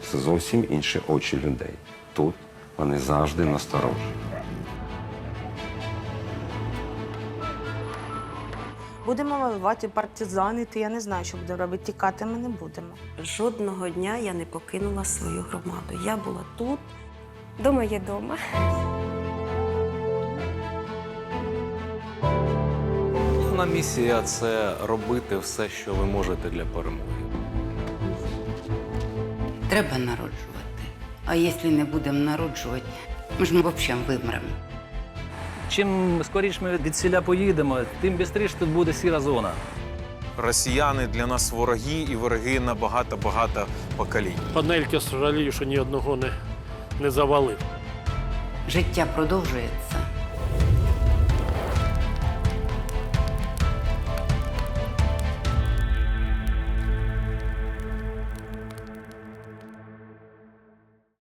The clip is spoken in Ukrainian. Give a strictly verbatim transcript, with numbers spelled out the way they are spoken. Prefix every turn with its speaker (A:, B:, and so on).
A: це зовсім інші очі людей. Тут вони завжди насторожі.
B: Будемо воювати, партизанити, я не знаю, що будемо робити, тікати ми не будемо.
C: Жодного дня я не покинула свою громаду. Я була тут.
D: Дома є дома.
E: Головна місія – це робити все, що ви можете для перемоги.
F: Треба народжувати. А якщо не будемо народжувати, ми ж ми взагалі вимремо.
G: Чим скоріше ми від селя поїдемо, тим швидше тут буде сіра зона.
H: Росіяни для нас вороги, і вороги на багато-багато поколінь.
I: Панельки жалію, що ні одного не, не завалив.
F: Життя продовжується.